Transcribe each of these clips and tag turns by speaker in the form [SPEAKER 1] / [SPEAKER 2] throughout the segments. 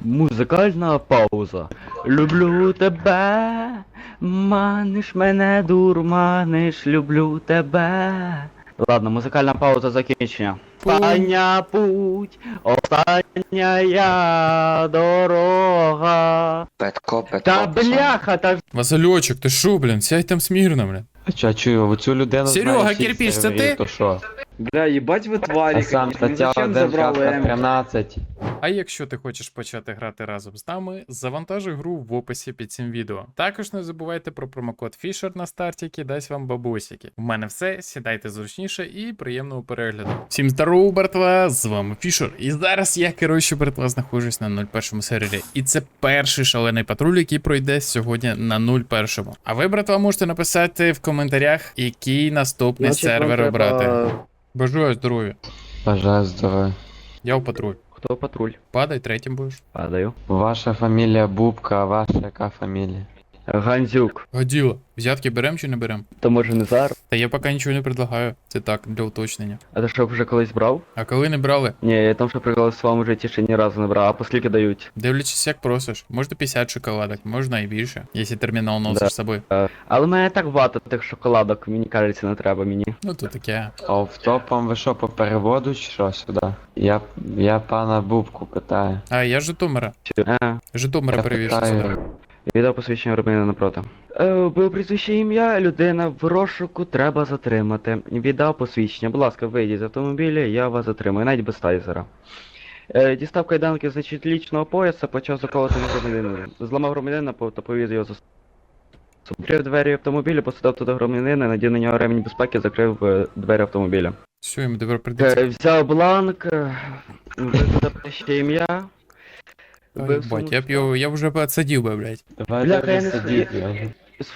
[SPEAKER 1] Музикальна пауза. Люблю тебе, маниш мене, дурманиш, люблю тебе. Ладно, музикальна пауза закінчення. Остання путь, остання я дорога.
[SPEAKER 2] Петко.
[SPEAKER 1] Та бляха, та
[SPEAKER 3] Васильочок, ти шо, блін? Сядь там смірно, блін.
[SPEAKER 4] А чую, оцю людину
[SPEAKER 3] Серега,
[SPEAKER 4] знає всі
[SPEAKER 3] кирпич, це
[SPEAKER 4] сервери,
[SPEAKER 3] ти?
[SPEAKER 4] то що?
[SPEAKER 5] Бля, ебать вы твари,
[SPEAKER 4] А сам
[SPEAKER 5] конечно. Ну
[SPEAKER 4] стаття
[SPEAKER 5] зачем
[SPEAKER 4] 1,
[SPEAKER 5] забрал М?
[SPEAKER 4] 13.
[SPEAKER 3] А якщо ти хочеш почати грати разом з нами, завантажуй гру в описі під цим відео. Також не забувайте про промокод Fisher на старті, який дасть вам бабусики. У мене все, сідайте зручніше і приємного перегляду. Всім здорово, братва, з вами Fisher. І зараз я, коротше, братва, знаходжусь на 01 сервері. І це перший шалений патруль, який пройде сьогодні на 01. А ви, братва, можете написати в коментарях, який наступний сервер обрати. Бажаю здоров'я.
[SPEAKER 4] Бажаю здоров'я.
[SPEAKER 3] Я в патруль.
[SPEAKER 1] Хто патруль?
[SPEAKER 3] Падай, третім будеш.
[SPEAKER 1] Падаю.
[SPEAKER 4] Ваша фамілія Бубка, а ваша яка фамілія?
[SPEAKER 1] Гандзюк.
[SPEAKER 3] Годіло. Взятки берем чи не берем?
[SPEAKER 1] То може не зараз?
[SPEAKER 3] Та я поки нічого не предлагаю. Це так, для уточнення.
[SPEAKER 1] А ти що, вже колись брав?
[SPEAKER 3] А коли не брали?
[SPEAKER 1] Ні, я там що прикол в своєму житті ще ні разу не брав, а по скільки дають?
[SPEAKER 3] Дивлячись, як просиш. Можна 50 шоколадок, можна і більше, якщо термінал носиш
[SPEAKER 1] Да.
[SPEAKER 3] з собою.
[SPEAKER 1] Але в мене так багато тих шоколадок, мені кажеться, не треба мені.
[SPEAKER 3] Ну то таке.
[SPEAKER 4] А автопом ви що, по переводу чи що сюди? Я пана Бубку питаю.
[SPEAKER 3] А, я з Житомира. Житомира
[SPEAKER 4] Я
[SPEAKER 3] перевіз
[SPEAKER 4] питаю.
[SPEAKER 3] сюди.
[SPEAKER 1] Відео посвідчення громадянина напроти. Було прізвище ім'я, людина в розшуку треба затримати. Віддав посвідчення. Будь ласка, вийдіть з автомобіля, я вас затримую, навіть без тайзера. Дістав кайданки, значить, лічного пояса, почав заколоти громадянина. Зламав громадянина та повіз його за собою. Відкрив двері автомобіля, посадив туди громадянина, надів на нього ремінь безпеки, закрив двері автомобіля.
[SPEAKER 3] Все, йому тепер прийдеться.
[SPEAKER 1] Взяв бланк, викладав ще ім'я.
[SPEAKER 3] Ой, бать, я вже посадив би, блядь.
[SPEAKER 4] Давай
[SPEAKER 1] Бляха, я
[SPEAKER 4] добре
[SPEAKER 1] не
[SPEAKER 4] сидіть,
[SPEAKER 1] знаю.
[SPEAKER 4] я вже.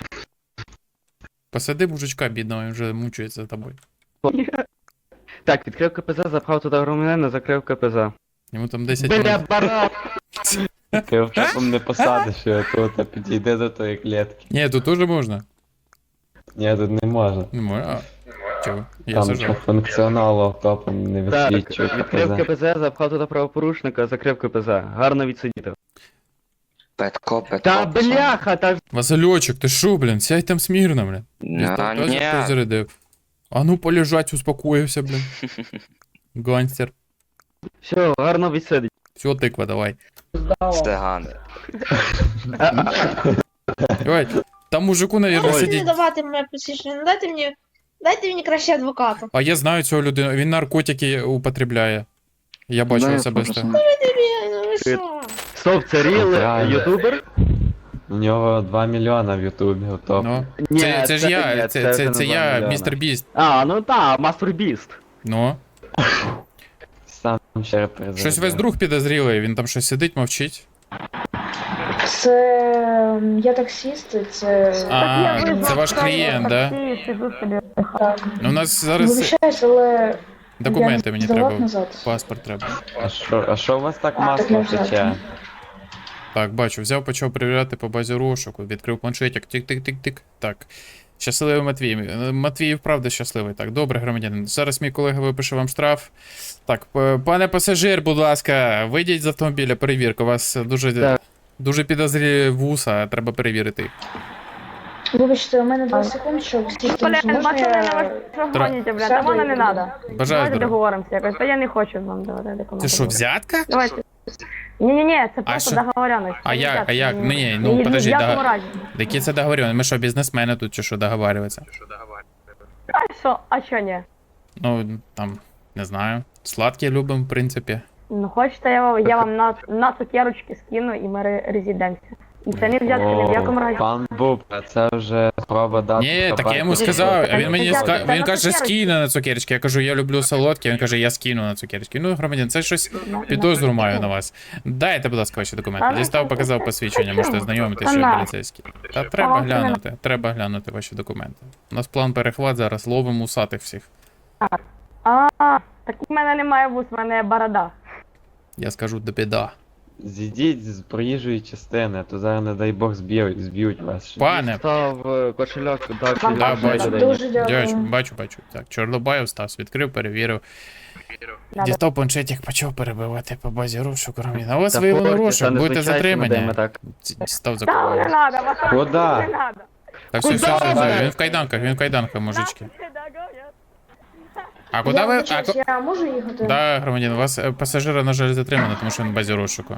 [SPEAKER 3] Посади мужичка бідного, він вже мучується за тобою.
[SPEAKER 1] Так, відкрив КПЗ, запхав туди громадянина, закрив КПЗ.
[SPEAKER 3] Йому там 10
[SPEAKER 1] Бля,
[SPEAKER 3] минут.
[SPEAKER 1] баран!
[SPEAKER 4] Ти автопом не посадиш його тут, а підійде до тої клітки.
[SPEAKER 3] Ні, тут теж можна.
[SPEAKER 4] Ні, тут не можна.
[SPEAKER 3] Не можна. А, чого? Я
[SPEAKER 4] Там по
[SPEAKER 3] зажав.
[SPEAKER 4] функціоналу автопом не
[SPEAKER 1] Так,
[SPEAKER 4] висвічує
[SPEAKER 1] відкрив
[SPEAKER 4] КПЗ.
[SPEAKER 1] КПЗ, запхав туди правопорушника, закрив КПЗ. Гарно відсидіти.
[SPEAKER 2] Петко.
[SPEAKER 1] Та бляха, та ж...
[SPEAKER 3] Васильочок, ти шо, блін? Сядь там смірно, блін.
[SPEAKER 2] На,
[SPEAKER 3] Хтось
[SPEAKER 2] ні.
[SPEAKER 3] зарядив. А ну полежать, успокоївся, блін. Гангстер.
[SPEAKER 1] Все, гарно відсидить.
[SPEAKER 3] Все, тиква, давай.
[SPEAKER 2] Стегани.
[SPEAKER 3] Давай. Там мужику, наверное,
[SPEAKER 6] Можете не
[SPEAKER 3] сидіть.
[SPEAKER 6] давати мене посвідчення, дайте мені краще адвоката.
[SPEAKER 3] А я знаю цього людину, він наркотики употребляє. Я бачу
[SPEAKER 1] Знаю,
[SPEAKER 3] особисто.
[SPEAKER 6] Ну ви що?
[SPEAKER 1] Стоп, це ріл
[SPEAKER 4] Правильно.
[SPEAKER 1] ютубер?
[SPEAKER 4] У нього 2 мільйона в Ютубі автоп.
[SPEAKER 3] Ну.
[SPEAKER 1] Ні,
[SPEAKER 3] Це ж я,
[SPEAKER 1] ні,
[SPEAKER 3] це
[SPEAKER 1] вже не 2
[SPEAKER 3] я,
[SPEAKER 1] мільйона.
[SPEAKER 3] містер Біст.
[SPEAKER 1] А, ну так, Мастер Біст.
[SPEAKER 3] Ну.
[SPEAKER 4] Сам ще репрезентує.
[SPEAKER 3] Щось весь друг підозрілий, він там щось сидить, мовчить.
[SPEAKER 7] Це я таксіст, це.
[SPEAKER 3] А, це ваш клієнт, да? Ну, у нас зараз
[SPEAKER 7] Вибачаюсь, але
[SPEAKER 3] документи
[SPEAKER 7] я
[SPEAKER 3] мені
[SPEAKER 7] здавав
[SPEAKER 3] треба.
[SPEAKER 7] назад.
[SPEAKER 3] Паспорт треба.
[SPEAKER 4] А що у вас так
[SPEAKER 7] так
[SPEAKER 4] масло
[SPEAKER 7] не взяти.
[SPEAKER 4] тече?
[SPEAKER 3] Так, бачу, взяв, почав перевіряти по базі розшуку, відкрив планшетик, тик-тик-тик-тик. Так. Щасливий Матвій. Матвій вправді щасливий. Так, добре, громадянин. Зараз мій колега випише вам штраф. Так, пане пасажир, будь ласка, вийдіть з автомобіля, перевірка. У вас дуже,
[SPEAKER 1] Так.
[SPEAKER 3] дуже підозрілі вуса, треба перевірити.
[SPEAKER 7] Вибачте, у мене 2 секунд, щоб сісти.
[SPEAKER 8] Блин,
[SPEAKER 7] Можна
[SPEAKER 8] пацаны,
[SPEAKER 7] я...
[SPEAKER 8] ну вы что гоните, блядь,
[SPEAKER 7] сяду
[SPEAKER 8] а вона
[SPEAKER 7] і
[SPEAKER 8] не
[SPEAKER 7] буду?
[SPEAKER 8] надо.
[SPEAKER 3] Бажаю
[SPEAKER 8] Давайте
[SPEAKER 3] здоров'я.
[SPEAKER 8] договоримся якось, та я не хочу вам давати документи.
[SPEAKER 3] Це що, взятка?
[SPEAKER 8] Давайте. Ні-ні-ні, це просто
[SPEAKER 3] що?
[SPEAKER 8] договоренность.
[SPEAKER 3] А як? А як? Ні,
[SPEAKER 8] Ні,
[SPEAKER 3] ну
[SPEAKER 8] ні,
[SPEAKER 3] подожди,
[SPEAKER 8] в якому
[SPEAKER 3] да.
[SPEAKER 8] разі?
[SPEAKER 3] Які це договорювання? Ми що, бізнесмени тут чи що договарюватися?
[SPEAKER 8] А що ні?
[SPEAKER 3] Ну, там, не знаю. Сладкі любимо, в принципі.
[SPEAKER 8] Ну хочете, я вам на цукерочки скину і ми резиденція. І це не взятка ні в якому разі.
[SPEAKER 4] Пан Бубка, це вже спроба дати.
[SPEAKER 3] Ні, так я йому
[SPEAKER 4] собаці.
[SPEAKER 3] сказав, а він
[SPEAKER 8] Це
[SPEAKER 3] мені
[SPEAKER 8] взятка, це
[SPEAKER 3] він
[SPEAKER 8] на
[SPEAKER 3] каже,
[SPEAKER 8] цукерочки.
[SPEAKER 3] скину на цукерочки. Я кажу, я люблю солодкі, він каже, я скину на цукерочки. Ну, громадян, це щось підозру маю на вас. Дайте, будь ласка, ваші документи. Дістав, показав посвідчення, можете знайомитися, що ви поліцейські. Та треба глянути ваші документи. У нас план перехват зараз, ловимо усатих всіх.
[SPEAKER 8] А, так у мене немає вус, в мене борода.
[SPEAKER 3] Я скажу, до біда.
[SPEAKER 4] зійдіть з проїжджої частини, а то зараз, не дай Бог, зб'ють вас. ще.
[SPEAKER 3] Пане,
[SPEAKER 1] Став кошельок, дав
[SPEAKER 8] Вам
[SPEAKER 3] Да,
[SPEAKER 1] людині.
[SPEAKER 3] бачу.
[SPEAKER 7] Дуже
[SPEAKER 3] дядько,
[SPEAKER 7] дякую.
[SPEAKER 3] бачу. Так, Чорнобаєв Стас відкрив, перевірив.
[SPEAKER 8] Да,
[SPEAKER 3] Дістав планшетик, почав перебивати по базі розшуку. На вас
[SPEAKER 1] Та
[SPEAKER 3] виявлено
[SPEAKER 1] порті,
[SPEAKER 3] розшук,
[SPEAKER 1] та не
[SPEAKER 3] будете
[SPEAKER 1] звичайся над ними,
[SPEAKER 3] затримані.
[SPEAKER 1] так.
[SPEAKER 3] Став за
[SPEAKER 8] Та не надо, вас
[SPEAKER 4] Куда?
[SPEAKER 8] не надо.
[SPEAKER 3] Та все, він в кайданках, мужички. А куди
[SPEAKER 7] Я
[SPEAKER 3] ви?
[SPEAKER 7] вибачаюсь, я можу їхати?
[SPEAKER 3] Да, громадян, у вас пасажира, на жаль, затримано, тому що він в базі розшуку.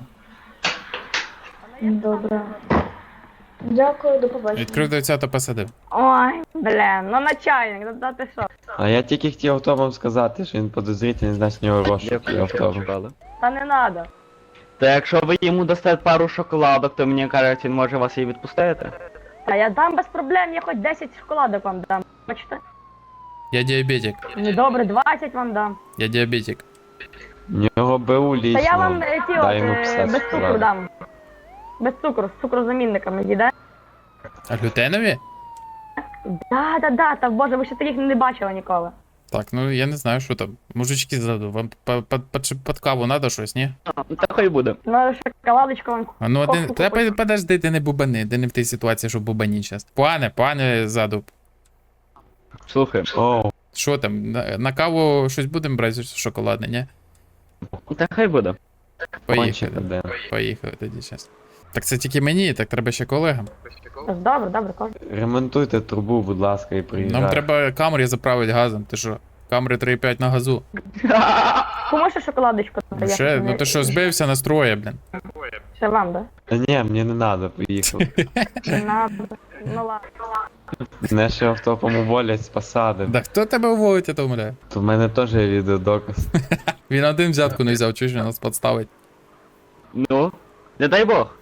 [SPEAKER 7] Добре. Дякую, до побачення.
[SPEAKER 3] Відкрив дверця та посадив.
[SPEAKER 8] Ой, блін, ну начальник, да ти що?
[SPEAKER 4] А я тільки хотів автобом сказати, що він підозрительний, значить, в нього розшук
[SPEAKER 1] Дякую,
[SPEAKER 4] є
[SPEAKER 1] що
[SPEAKER 4] автобом.
[SPEAKER 1] чекали.
[SPEAKER 8] Та не надо.
[SPEAKER 1] Та якщо ви йому дасте пару шоколадок, то мені кажуть, він може вас і відпустити.
[SPEAKER 8] Та я дам без проблем, я хоч 10 шоколадок вам дам. Бачите?
[SPEAKER 3] Я диабетик,
[SPEAKER 8] Ну добре, 20 вам дам.
[SPEAKER 3] я диабетик.
[SPEAKER 4] В нього БУ
[SPEAKER 8] Та
[SPEAKER 4] лічно.
[SPEAKER 8] я вам ті
[SPEAKER 4] дай йому
[SPEAKER 8] от,
[SPEAKER 4] 50
[SPEAKER 8] без цукру
[SPEAKER 4] шоколадок.
[SPEAKER 8] дам. Без цукру, з цукрозамінниками їде.
[SPEAKER 3] А глютенові?
[SPEAKER 8] Да, та боже, ви ще таких не бачили ніколи.
[SPEAKER 3] Так, ну я не знаю, що там. Мужички ззаду, вам під каву надо щось, ні?
[SPEAKER 1] Та хай буде.
[SPEAKER 8] Ну, шоколадочку вам.
[SPEAKER 3] А ну один.
[SPEAKER 8] Кофту
[SPEAKER 3] Та
[SPEAKER 8] купити.
[SPEAKER 3] подожди, ти не бубани, ти не в тій ситуації, що бубані зараз. Пане ззаду.
[SPEAKER 1] Слухай.
[SPEAKER 4] Оу,
[SPEAKER 3] Що там, на каву щось будемо брати шоколадне, ні?
[SPEAKER 1] Та хай буде.
[SPEAKER 4] кончик
[SPEAKER 3] Поїхали.
[SPEAKER 4] один.
[SPEAKER 3] Поїхали тоді зараз. Так це тільки мені, так треба ще колегам.
[SPEAKER 8] Добре, кожен.
[SPEAKER 4] Ремонтуйте трубу, будь ласка, і приїжджайте.
[SPEAKER 3] Нам треба камери заправити газом, ти що? Камери 3,5 на газу.
[SPEAKER 8] Кому ще шоколадочку?
[SPEAKER 3] Ну, ще, ну ти що, збився настроє, блін.
[SPEAKER 8] Ще вам, да?
[SPEAKER 4] Та ні, мені не треба, поїхав.
[SPEAKER 8] Не надо. Ну ладно.
[SPEAKER 4] Мене ще автопом уволять з посади.
[SPEAKER 3] Да хто тебе уволить, я то умоляю?
[SPEAKER 4] То в мене теж є відеодоказ.
[SPEAKER 3] Він один взятку не взяв, чуєш, він нас підставить.
[SPEAKER 1] Ну, не дай Бог.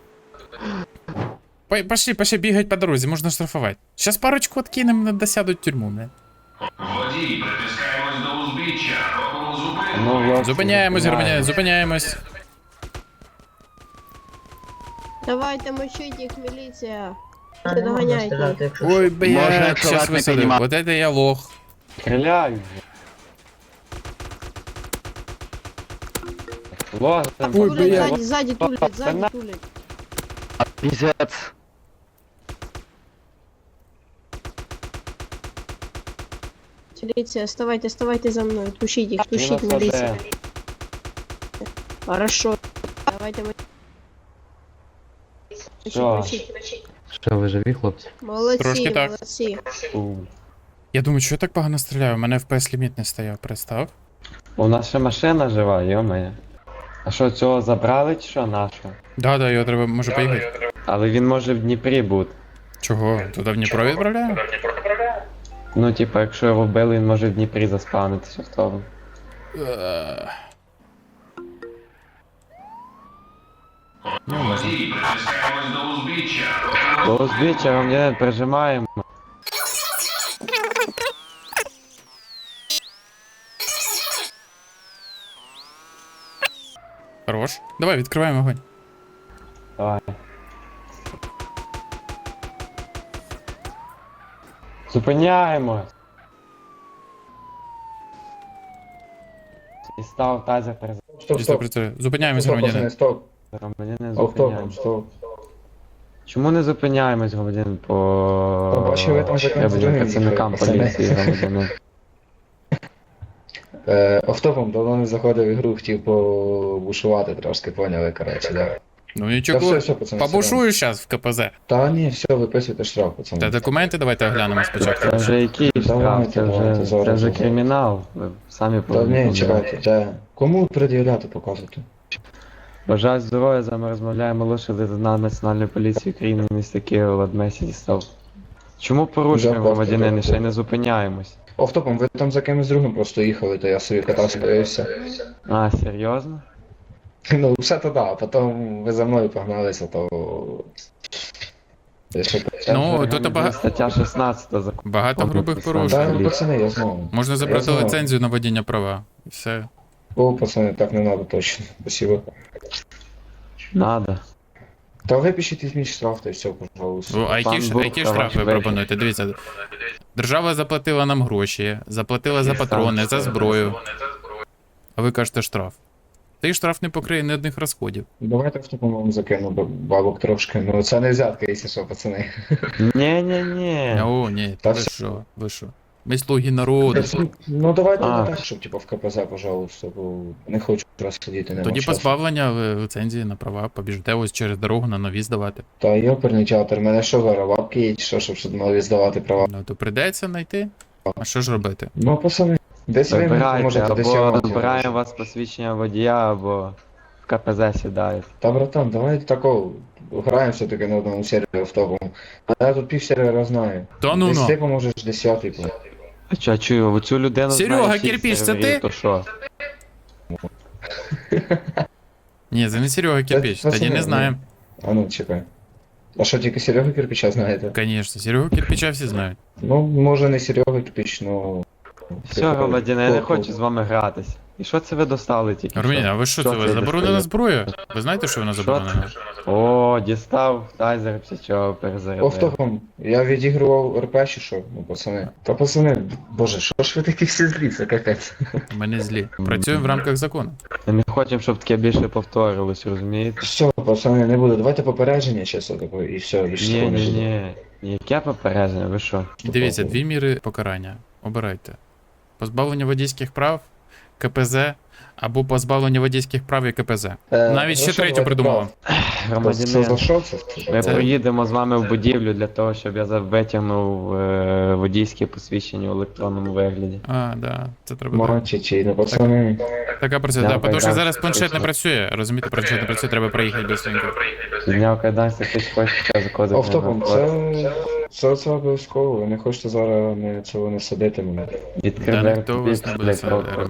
[SPEAKER 3] Пошли бігать по дорозі, можна штрафувати. Щас парочку откинем, досядуть в тюрму, блін.
[SPEAKER 9] Водій, притискаємось до узбіччя, робимо зупинку.
[SPEAKER 4] Ну, хлопці,
[SPEAKER 3] Зупиняємось, громадяни, зупиняємось.
[SPEAKER 6] Давайте мочить їх, міліція. Ти доганяйте їх.
[SPEAKER 3] Ой,
[SPEAKER 1] Можна,
[SPEAKER 3] блядь,
[SPEAKER 1] якщо
[SPEAKER 3] щас
[SPEAKER 1] вас не
[SPEAKER 3] висадив.
[SPEAKER 1] піднімати.
[SPEAKER 3] Вот это я лох.
[SPEAKER 4] Стріляй вже. Ложим.
[SPEAKER 3] Ой,
[SPEAKER 6] Тулять,
[SPEAKER 3] блядь.
[SPEAKER 6] ззаді тулять, ззаді тулять.
[SPEAKER 1] Піздець.
[SPEAKER 6] Міліція, ставайте за мною, тушіть їх,
[SPEAKER 4] Він
[SPEAKER 6] тушіть,
[SPEAKER 4] нас
[SPEAKER 6] міліція.
[SPEAKER 4] веде.
[SPEAKER 6] Хорошо. Давайте мочить.
[SPEAKER 4] Що?
[SPEAKER 1] Що, ви живі, хлопці?
[SPEAKER 6] Молодці,
[SPEAKER 3] Трошки так.
[SPEAKER 6] молодці.
[SPEAKER 4] Фу.
[SPEAKER 3] Я думаю, що я так погано стріляю, у мене FPS ліміт не стояв, представ.
[SPEAKER 4] У нас ще машина жива, йо-моє. А що, цього забрали чи що нашого?
[SPEAKER 3] Да, його треба, може поїхати.
[SPEAKER 4] Але він може в Дніпрі бути.
[SPEAKER 3] Чого? Туди в Дніпро відправляємо?
[SPEAKER 4] Ну, типа, якщо його вбили, він може в Дніпрі заспавнитися автобом.
[SPEAKER 9] Водій, притискаємось до узбіччя,
[SPEAKER 4] До узбіччя громадянин прижимаємо.
[SPEAKER 3] Хорош. Давай, відкриваємо огонь.
[SPEAKER 4] Давай. Зупиняємось. І став тазер перед
[SPEAKER 3] Чисто працює. Зупиняємось, громадянин.
[SPEAKER 4] громадянин зупиняємось. Чому не зупиняємось, громадянин, по
[SPEAKER 10] Побачили, там за
[SPEAKER 4] требуванням
[SPEAKER 10] контролем
[SPEAKER 4] працівникам
[SPEAKER 10] їхали,
[SPEAKER 4] поліції, громадянин?
[SPEAKER 10] Автопом давно не заходив в ігру, хотів побушувати трошки, поняли, коротше, да.
[SPEAKER 3] Ну
[SPEAKER 10] Та
[SPEAKER 3] нічого,
[SPEAKER 10] все, пацани.
[SPEAKER 3] побушую зараз в КПЗ.
[SPEAKER 10] Та ні, все, виписуйте штраф, пацани.
[SPEAKER 3] Та документи давайте оглянемо спочатку.
[SPEAKER 4] Це вже який штраф,
[SPEAKER 10] Давайте,
[SPEAKER 4] це
[SPEAKER 10] давайте,
[SPEAKER 4] вже
[SPEAKER 10] зараз.
[SPEAKER 4] кримінал. Ви самі
[SPEAKER 10] Та ні,
[SPEAKER 4] повинні.
[SPEAKER 10] чекайте, та кому пред'являти показувати?
[SPEAKER 4] Бажаю здоров'я, з вами розмовляє молодший лейтенант Національної поліції України міста Києва Ладмесі Дістав. Чому порушуємо,
[SPEAKER 10] Дякую,
[SPEAKER 4] громадянин, і
[SPEAKER 10] дякую.
[SPEAKER 4] ще й не зупиняємось?
[SPEAKER 10] Автопом, ви там за кимось другим просто їхали, то я собі катався, появився.
[SPEAKER 4] А, серйозно?
[SPEAKER 10] Ну, все то да, а потім ви за мною погналися, то... Я ще-
[SPEAKER 3] Ну, тут
[SPEAKER 4] Громадянин, стаття 16 закону.
[SPEAKER 3] Багато грубих
[SPEAKER 10] Та,
[SPEAKER 3] порушень.
[SPEAKER 10] ну, пацани, я знаю.
[SPEAKER 3] Можна забрати
[SPEAKER 10] Я знаю.
[SPEAKER 3] ліцензію на водіння права. І все.
[SPEAKER 10] О, пацани, так не надо точно. Спасибо.
[SPEAKER 4] Надо.
[SPEAKER 10] Та випишіть із мій штраф, та й все, пожалуйста.
[SPEAKER 3] Ну, а
[SPEAKER 4] Пан
[SPEAKER 3] які
[SPEAKER 4] Бубка,
[SPEAKER 3] штрафи
[SPEAKER 4] ваш
[SPEAKER 3] ви
[SPEAKER 4] вечір.
[SPEAKER 3] пропонуєте? Дивіться. Держава заплатила нам гроші, заплатила за патрони, за зброю. А ви кажете штраф. Та й штраф не покриє ні одних розходів.
[SPEAKER 10] Давайте в такому закину бабок трошки. Ну це не взятка, якщо що, пацани.
[SPEAKER 4] Ні-ні-ні.
[SPEAKER 3] О, ні,
[SPEAKER 10] Та
[SPEAKER 3] ви
[SPEAKER 10] все.
[SPEAKER 3] що, ви що? Ми слуги народу.
[SPEAKER 10] Ну давайте
[SPEAKER 4] А.
[SPEAKER 10] не так, щоб типу в КПЗ, пожалуйста, бо не хочу раз сидіти, нема
[SPEAKER 3] Тоді
[SPEAKER 10] часу.
[SPEAKER 3] позбавлення ліцензії на права, побіжите ось через дорогу на нові здавати.
[SPEAKER 10] Та йоперний театр, мене що зараз, бабки є, чи що, щоб сюди нові здавати права?
[SPEAKER 3] Ну то прийдеться знайти. А що ж робити?
[SPEAKER 10] Ну, пацани, десь ви мені
[SPEAKER 4] Вибирайте,
[SPEAKER 10] поможете, десь я
[SPEAKER 4] або
[SPEAKER 10] вам
[SPEAKER 4] розбираємо
[SPEAKER 10] поможу.
[SPEAKER 4] вас посвідчення водія, або в КПЗ сідаєте.
[SPEAKER 10] Та, братан, давайте такого, граємо все-таки на одному сервері автопом. А я тут пів сервера знаю.
[SPEAKER 3] Та ну
[SPEAKER 10] Десь ти
[SPEAKER 3] ну.
[SPEAKER 10] поможеш, 10-й.
[SPEAKER 4] А чо, чую, оцю людину
[SPEAKER 3] Серега,
[SPEAKER 4] знає всіх
[SPEAKER 3] кирпич, це
[SPEAKER 4] серверів,
[SPEAKER 3] ти?
[SPEAKER 4] То що?
[SPEAKER 3] Ні, це не Серега Кирпич,
[SPEAKER 10] Та-
[SPEAKER 3] тоді
[SPEAKER 10] пацани,
[SPEAKER 3] не знаємо.
[SPEAKER 10] А ну, чекай. А що, тільки Серега Кирпича знаєте?
[SPEAKER 3] Конечно, Серегу Кирпича всі знають.
[SPEAKER 10] Ну, може не Серега Кирпич, ну...
[SPEAKER 4] Все, громадяни, я не хочу з вами гратись. І що це ви достали тільки?
[SPEAKER 3] Армін,
[SPEAKER 4] що?
[SPEAKER 3] а ви що це? Ви
[SPEAKER 4] це
[SPEAKER 3] заборонена
[SPEAKER 4] достає?
[SPEAKER 3] зброя? Ви знаєте, що вона
[SPEAKER 4] Що
[SPEAKER 3] заборонена?
[SPEAKER 4] О, дістав, тайзер, псячого перезарядив.
[SPEAKER 10] Автопом, я відігрував РП чи що? Ну, пацани. Та пацани, боже, що ж ви такі всі злі, це капець.
[SPEAKER 3] Ми не злі. Працюємо в рамках закону.
[SPEAKER 4] Ми не хочемо, щоб таке більше повторилось, розумієте?
[SPEAKER 10] Все, пацани, не буде, давайте попередження чесно таке, і все, більше такого не буде.
[SPEAKER 4] Ні. Яке попередження, ви що?
[SPEAKER 3] Дивіться, дві міри покарання. Обирайте. Позбавлення водійських прав, КПЗ, або позбавлення водійських прав і КПЗ. Навіть ще третю придумав.
[SPEAKER 10] Це за
[SPEAKER 4] Громадяни,
[SPEAKER 10] що це?
[SPEAKER 4] ми
[SPEAKER 3] Це-
[SPEAKER 4] проїдемо з вами в будівлю для того, щоб я витягнув водійське посвідчення в електронному вигляді.
[SPEAKER 3] А, да, це треба так.
[SPEAKER 10] Мачі, чи не пацани.
[SPEAKER 3] Така працює,
[SPEAKER 4] Да,
[SPEAKER 3] да, тому що
[SPEAKER 4] так.
[SPEAKER 3] зараз планшет не працює. Розумієте, планшет не працює, треба проїхати быстренько.
[SPEAKER 4] Підняв кайданці, хтось хоче заходити.
[SPEAKER 10] Автопом, це обов'язково, ви не хочете зараз цього не садити мене.
[SPEAKER 4] Відкрив
[SPEAKER 3] Да,
[SPEAKER 4] двері,
[SPEAKER 3] ніхто вас не буде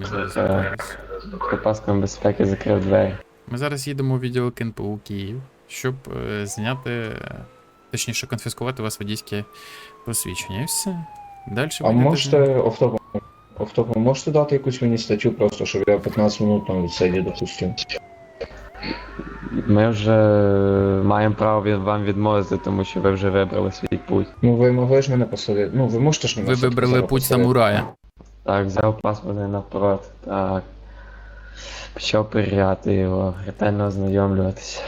[SPEAKER 4] під паском безпеки закрив двері.
[SPEAKER 3] Ми зараз їдемо у відділ КНПУ Київ, щоб зняти, точніше, конфіскувати у вас водійське посвідчення. І все. Далі
[SPEAKER 10] А можете автопом, можете дати якусь мені статтю просто, щоб я 15 минут там відсидів, допустим?
[SPEAKER 4] Ми вже маємо право вам відмовити, тому що ви вже вибрали свій путь.
[SPEAKER 10] Ну ви могли ж мене посадити, ну ви можете ж мене
[SPEAKER 3] Ви
[SPEAKER 10] все-таки
[SPEAKER 3] вибрали
[SPEAKER 10] зараз
[SPEAKER 3] путь
[SPEAKER 10] посадити?
[SPEAKER 3] самурая.
[SPEAKER 4] Так, взяв паспорт навпроти, так. Почав перевіряти його, ретельно ознайомлюватися.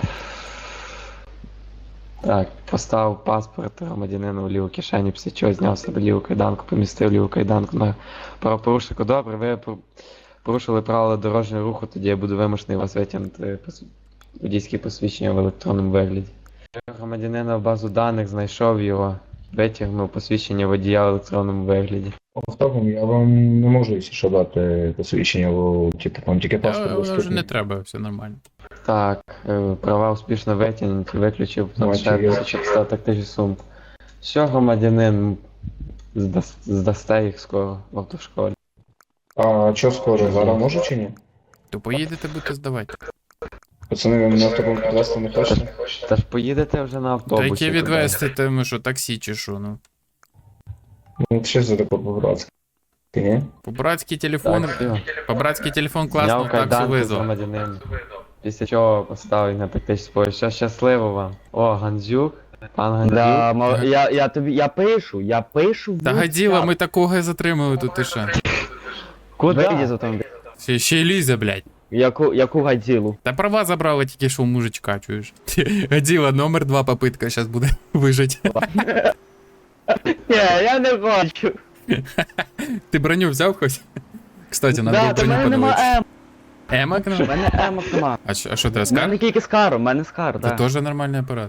[SPEAKER 4] Так, поставив паспорт громадянина в ліву кишені, після чого зняв себе ліву кайданку, помістив ліву кайданку на правопорушнику. Добре, ви порушили правила дорожнього руху, тоді я буду вимушений вас витягнути водійське посвідчення в електронному вигляді. Громадянина в базу даних, знайшов його, витягнув посвідчення водія в електронному вигляді.
[SPEAKER 10] Автопом я вам не можу, якщо що, дати посвідчення, бо типу там тільки паспорт
[SPEAKER 3] Вже не
[SPEAKER 10] доступний.
[SPEAKER 3] треба, все нормально.
[SPEAKER 4] Так, права успішно витягнуті, виключив планшет,
[SPEAKER 10] Бачу, я.
[SPEAKER 4] щоб став тактичну сумку. Що, громадянин, здасте їх скоро в автошколі.
[SPEAKER 10] А що скоро, зараз можу чи ні?
[SPEAKER 3] То поїдете, будете здавати.
[SPEAKER 10] Пацани, ви мене автопом підвезти не хочете?
[SPEAKER 4] Та ж поїдете вже на
[SPEAKER 3] Та
[SPEAKER 4] автобусі.
[SPEAKER 3] яке відвести, те ми що, таксі чи що, ну.
[SPEAKER 10] Ну що за таке по-братськи, ні?
[SPEAKER 3] По-братськи телефон,
[SPEAKER 4] Так, все.
[SPEAKER 3] по-братськи телефон класно,
[SPEAKER 4] Зняв
[SPEAKER 3] таксу
[SPEAKER 4] кайданки з
[SPEAKER 3] визвав.
[SPEAKER 4] громадянина. Після чого поставив на тактичний спой. Що, щасливо вам. О, Гандзюк. Пан Гандзюк.
[SPEAKER 1] Да, я пишу.
[SPEAKER 3] Та гаділа, ми такого і затримали тут, ти що.
[SPEAKER 1] Вийди з
[SPEAKER 4] Куди?
[SPEAKER 1] автомобіля.
[SPEAKER 3] Ще й лізе, блядь.
[SPEAKER 1] Яку гадзілу?
[SPEAKER 3] Та права забрали тільки що у мужичка, чуєш. Гаділа, номер 2 попитка зараз буде вижить.
[SPEAKER 1] Ні, я не хочу.
[SPEAKER 3] Ти броню взяв хоч? Кстати, надо
[SPEAKER 1] Да,
[SPEAKER 3] було
[SPEAKER 1] та в
[SPEAKER 3] броню
[SPEAKER 1] мене нема
[SPEAKER 3] подивитися.
[SPEAKER 1] М.
[SPEAKER 3] Емок?
[SPEAKER 1] В мене емок нема.
[SPEAKER 3] А що ти
[SPEAKER 1] У мене
[SPEAKER 3] розкажеш?
[SPEAKER 1] тільки скар, у мене скар,
[SPEAKER 3] Це
[SPEAKER 1] да.
[SPEAKER 3] теж нормальний апарат.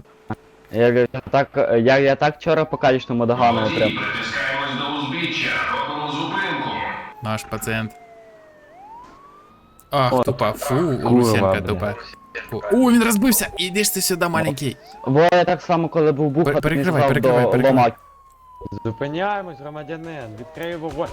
[SPEAKER 1] Я так вчора по калічному догану отримав.
[SPEAKER 9] Притискаємось до узбіччя, робимо зупинку.
[SPEAKER 3] Наш пацієнт. Ах,
[SPEAKER 1] О,
[SPEAKER 3] тупа, фу,
[SPEAKER 4] курва,
[SPEAKER 3] Лусенка
[SPEAKER 4] бля.
[SPEAKER 3] тупа. О, він розбився! Іди ж ти сюди, маленький.
[SPEAKER 1] Бо я так само, коли був буха, то
[SPEAKER 3] Перекривай,
[SPEAKER 1] не сказав до ломаки.
[SPEAKER 4] Зупиняємось, громадянин. Відкрию вогонь.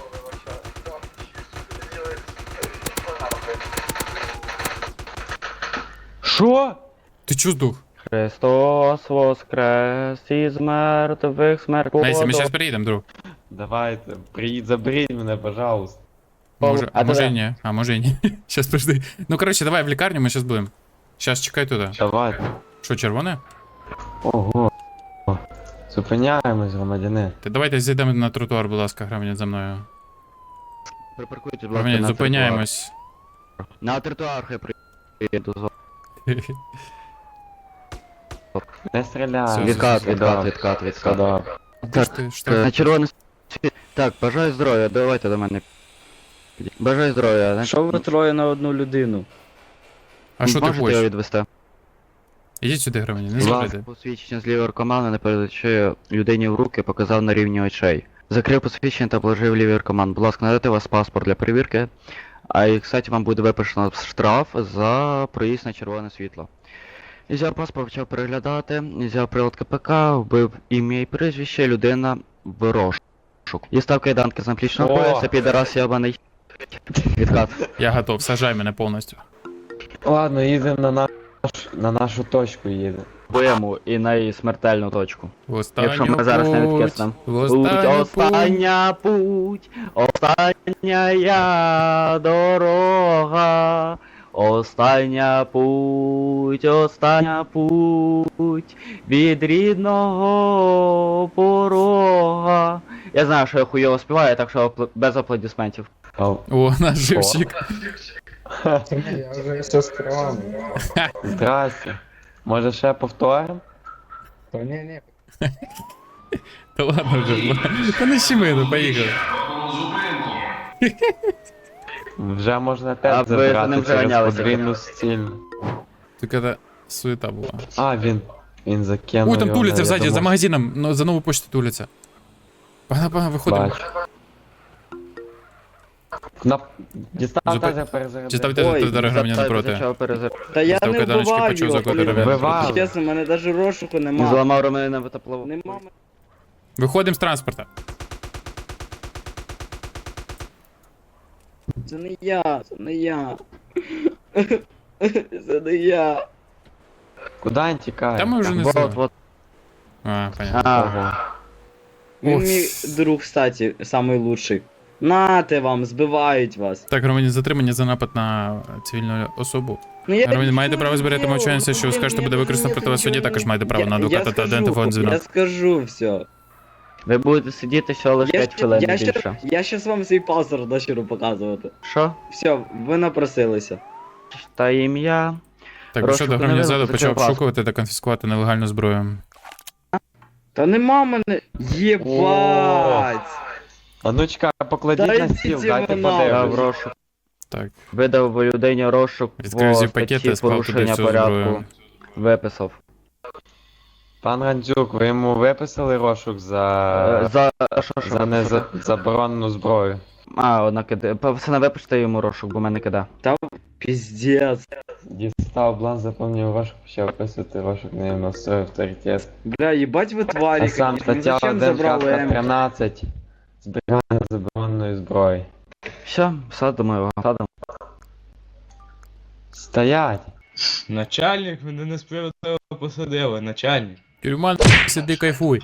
[SPEAKER 4] Що?
[SPEAKER 3] Ти чо здух?
[SPEAKER 1] Христос воскрес із мертвих смерть.
[SPEAKER 3] Мейсі, ми зараз приїдемо, друг.
[SPEAKER 4] Давайте, заберіть мене, пожалуйста.
[SPEAKER 3] Може,
[SPEAKER 1] А
[SPEAKER 3] може
[SPEAKER 1] тебе?
[SPEAKER 3] і ні, а може і ні. Щас подожди. Ну коротше, давай в лікарню, ми щас будемо. Щас чекай туди.
[SPEAKER 4] Давайте.
[SPEAKER 3] Що, червоне?
[SPEAKER 4] Ого. Зупиняємось, громадянин.
[SPEAKER 3] Ти давайте зійдемо на тротуар, будь ласка, громадян за мною.
[SPEAKER 1] Припаркуйте, будь ласка,
[SPEAKER 3] Громадян,
[SPEAKER 1] на
[SPEAKER 3] зупиняємось.
[SPEAKER 1] На тротуар хай приїду.
[SPEAKER 4] Не стріляй.
[SPEAKER 3] Все,
[SPEAKER 1] Відкат.
[SPEAKER 4] Добре.
[SPEAKER 3] Ти ж ти, що?
[SPEAKER 1] На червоний світ. Так, бажаю здоров'я, давайте до мене. Бажаю здоров'я.
[SPEAKER 5] Що ви троє на одну людину?
[SPEAKER 3] А що ти
[SPEAKER 1] Можете його
[SPEAKER 3] хочеш?
[SPEAKER 1] відвести?
[SPEAKER 3] Ідіть сюди, громадяни, не
[SPEAKER 1] Будь ласка,
[SPEAKER 3] зробите.
[SPEAKER 1] посвідчення з лівої кармана не передачи людині в руки, показав на рівні очей. Закрив посвідчення та положив лівий карман. Будь ласка, надайте вас паспорт для перевірки. А і, кстати, вам буде виписано штраф за проїзд на червоне світло. Взяв паспорт, почав переглядати, взяв прилад КПК, вбив ім'я і прізвище, людина в розшук. Дістав кайданки з наплічного
[SPEAKER 4] О!
[SPEAKER 1] пояса, підарас ябаний. Відкат.
[SPEAKER 3] Я готов, сажай мене повністю.
[SPEAKER 4] Ладно, їдемо на нашу точку їдемо.
[SPEAKER 1] Б'ємо і на смертельну точку.
[SPEAKER 3] В останню
[SPEAKER 1] Якщо ми зараз не відкиснемо.
[SPEAKER 3] В останню путь.
[SPEAKER 1] Остання я дорога. Остання путь від рідного порога. Я знаю, що я хуйово співаю, так що без аплодисментів.
[SPEAKER 3] О, наш живчик.
[SPEAKER 10] Я вже все скривав.
[SPEAKER 4] Здрасте. Може ще повторимо?
[SPEAKER 10] Та ні.
[SPEAKER 3] Та ладно вже. Та не щеми, ну поїхали.
[SPEAKER 9] Робимо зупинку.
[SPEAKER 4] Вже можна
[SPEAKER 1] А
[SPEAKER 4] теж
[SPEAKER 1] ви за ним
[SPEAKER 4] забрати
[SPEAKER 1] вже
[SPEAKER 4] через
[SPEAKER 1] ганялися.
[SPEAKER 4] подвійну стільну.
[SPEAKER 3] Тільки це суета була.
[SPEAKER 4] А, він закинув.
[SPEAKER 3] Ой, там
[SPEAKER 4] його,
[SPEAKER 3] туляться
[SPEAKER 4] я
[SPEAKER 3] ззаді, за
[SPEAKER 4] думав,
[SPEAKER 3] магазином, ну, за нову почту туляться. Погнали, виходимо.
[SPEAKER 4] бачу. Дістав
[SPEAKER 3] Зупи-
[SPEAKER 4] теж перезарядив.
[SPEAKER 3] Діставте громадян напроти.
[SPEAKER 5] Та я
[SPEAKER 3] Став
[SPEAKER 5] не
[SPEAKER 3] кайданочки,
[SPEAKER 5] вбиваю
[SPEAKER 3] почав
[SPEAKER 5] його.
[SPEAKER 3] закотити
[SPEAKER 5] блін.
[SPEAKER 4] Вбивав.
[SPEAKER 5] Чесно, в мене навіть розшуку
[SPEAKER 1] Не
[SPEAKER 5] нема.
[SPEAKER 1] зламав Романа в теплову.
[SPEAKER 5] Нема.
[SPEAKER 3] Виходимо з транспорта.
[SPEAKER 5] Це не я. Це не я.
[SPEAKER 4] Куди він тікає?
[SPEAKER 3] Та ми вже не
[SPEAKER 1] Вот,
[SPEAKER 3] знаємо.
[SPEAKER 1] вот.
[SPEAKER 3] А, понятно.
[SPEAKER 1] Ага.
[SPEAKER 5] Він
[SPEAKER 3] Ох.
[SPEAKER 5] мій друг, кстати, самий лучший. Нате вам, збивають вас.
[SPEAKER 3] Так, громадян, затримання за напад на цивільну особу.
[SPEAKER 5] Ну, я
[SPEAKER 3] Громадян, маєте
[SPEAKER 5] нічого
[SPEAKER 3] право
[SPEAKER 5] не
[SPEAKER 3] зберігати
[SPEAKER 5] зробив.
[SPEAKER 3] мовчання, все, що ви
[SPEAKER 5] Блін,
[SPEAKER 3] скажете, буде
[SPEAKER 5] я
[SPEAKER 3] використано проти вас в суді,
[SPEAKER 5] нічого
[SPEAKER 3] також
[SPEAKER 5] не-
[SPEAKER 3] маєте право на
[SPEAKER 5] Я
[SPEAKER 3] адвоката та
[SPEAKER 5] скажу,
[SPEAKER 3] ідентифон
[SPEAKER 5] Я
[SPEAKER 3] дзвінок.
[SPEAKER 5] скажу все.
[SPEAKER 1] Ви будете сидіти ще лише 5 хвилин не більше.
[SPEAKER 5] Я щас вам свій паспорт дочеру показувати.
[SPEAKER 1] Що?
[SPEAKER 5] Все, ви напросилися.
[SPEAKER 1] Та ім'я.
[SPEAKER 3] Так,
[SPEAKER 1] Розшук
[SPEAKER 3] що до
[SPEAKER 1] не
[SPEAKER 3] громадян
[SPEAKER 1] видно,
[SPEAKER 3] ззаду
[SPEAKER 1] закрив
[SPEAKER 3] почав
[SPEAKER 1] паспорт.
[SPEAKER 3] обшукувати та конфіскувати нелегальну зброю.
[SPEAKER 5] Та нема мене. Єбать!
[SPEAKER 4] А ну чекай, покладіть
[SPEAKER 5] Та
[SPEAKER 4] на
[SPEAKER 5] йдіть
[SPEAKER 4] стіл,
[SPEAKER 5] ви
[SPEAKER 4] дайте
[SPEAKER 5] нахуй.
[SPEAKER 1] Я в
[SPEAKER 4] подивлюсь.
[SPEAKER 1] розшук.
[SPEAKER 3] Так,
[SPEAKER 1] Видав людині розшук
[SPEAKER 3] відкрив
[SPEAKER 1] по
[SPEAKER 3] зі пакети,
[SPEAKER 1] статті
[SPEAKER 3] склав туди
[SPEAKER 1] порушення
[SPEAKER 3] всю
[SPEAKER 1] порядку.
[SPEAKER 3] зброю.
[SPEAKER 1] Виписав.
[SPEAKER 4] Пан Рандзюк, ви йому виписали розшук за
[SPEAKER 1] За що?
[SPEAKER 4] заборонену зброю?
[SPEAKER 1] А, одна киде. Пацана, випишете йому розшук, бо мене кида.
[SPEAKER 5] Піздец.
[SPEAKER 4] Дістав бланк, заповнив розшук, почав описувати розшук, не настроїв авторитет.
[SPEAKER 5] Бля, їбать ви тварі.
[SPEAKER 4] А сам
[SPEAKER 5] конечно. Ви
[SPEAKER 4] стаття
[SPEAKER 5] зачем
[SPEAKER 4] 1,
[SPEAKER 5] забрали
[SPEAKER 4] шапка
[SPEAKER 5] М?
[SPEAKER 4] 13. Зберігання забороненої зброї.
[SPEAKER 1] Все, садимо його. Садимо.
[SPEAKER 4] Стоять!
[SPEAKER 11] Начальник мене несправедливо посадили, начальник.
[SPEAKER 3] Тюрьма, сиди кайфуй.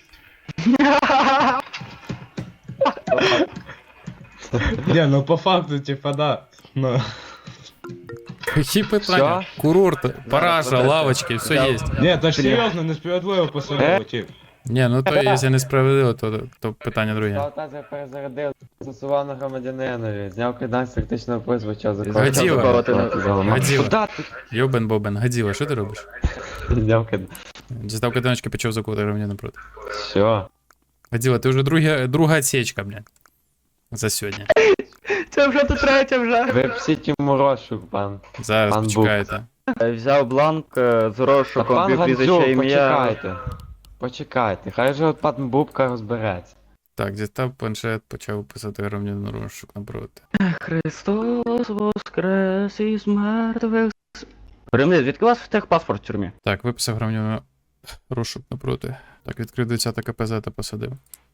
[SPEAKER 11] Не, ну по факту, типа, да. Ну.
[SPEAKER 3] Які питання?
[SPEAKER 4] Всё?
[SPEAKER 3] Курорт, параша, лавочки, все є.
[SPEAKER 11] Ні, та ж серйозно, несправедливо посадили, тип.
[SPEAKER 3] Ні, ну то якщо несправедливо, то питання друге.
[SPEAKER 4] Став тазер перезарядив, застосував на громадянинові, зняв кайдан з тактичного поясу, почав
[SPEAKER 3] Гаділа.
[SPEAKER 4] закладати.
[SPEAKER 3] Гаділа.
[SPEAKER 4] Куда ти?
[SPEAKER 3] Йобен Бобен, Гаділа, що ти робиш?
[SPEAKER 4] Зняв кайдан.
[SPEAKER 3] Дістав кайданочки, почав закувати громадян напроти.
[SPEAKER 4] Все.
[SPEAKER 3] Гаділа, ти вже друга отсечка, блядь. За сьогодні.
[SPEAKER 1] Це вже тут третя вже.
[SPEAKER 4] Випсіть йому розшук, пан.
[SPEAKER 3] Зараз
[SPEAKER 4] Пан
[SPEAKER 3] почекайте.
[SPEAKER 1] Взяв бланк з
[SPEAKER 4] Та
[SPEAKER 1] розшуком,
[SPEAKER 4] пан
[SPEAKER 1] вбив прізвище
[SPEAKER 4] Гандзюк,
[SPEAKER 1] ім'я.
[SPEAKER 4] почекайте. Почекайте, хай же от пан Бубка розбереться.
[SPEAKER 3] Так, дістав планшет, почав писати громадянину розшук напроти.
[SPEAKER 1] Христос воскрес із мертвих. Ремлі, звідки у вас техпаспорт в тюрмі?
[SPEAKER 3] Так, виписав громадянину розшук напроти. Так, відкрив 20 КПЗ та посадив.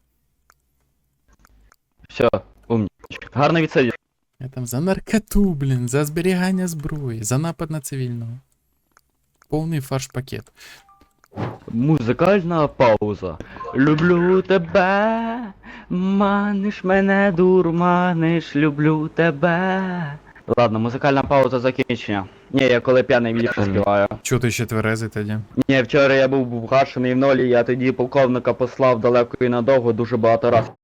[SPEAKER 1] Все, умнічка. Гарно відсидів.
[SPEAKER 3] Я там за наркоту, блін, за зберігання зброї, за напад на цивільного. Повний фарш-пакет.
[SPEAKER 1] Музикальна пауза. Люблю тебе, маниш мене, дурманиш, люблю тебе. Ладно, музикальна пауза закінчення. Ні, я коли п'яний ліпше співаю.
[SPEAKER 3] Чого ти ще тверезий тоді?
[SPEAKER 1] Ні, вчора я був вгашений в нолі, я тоді полковника послав далеко і надовго дуже багато разів.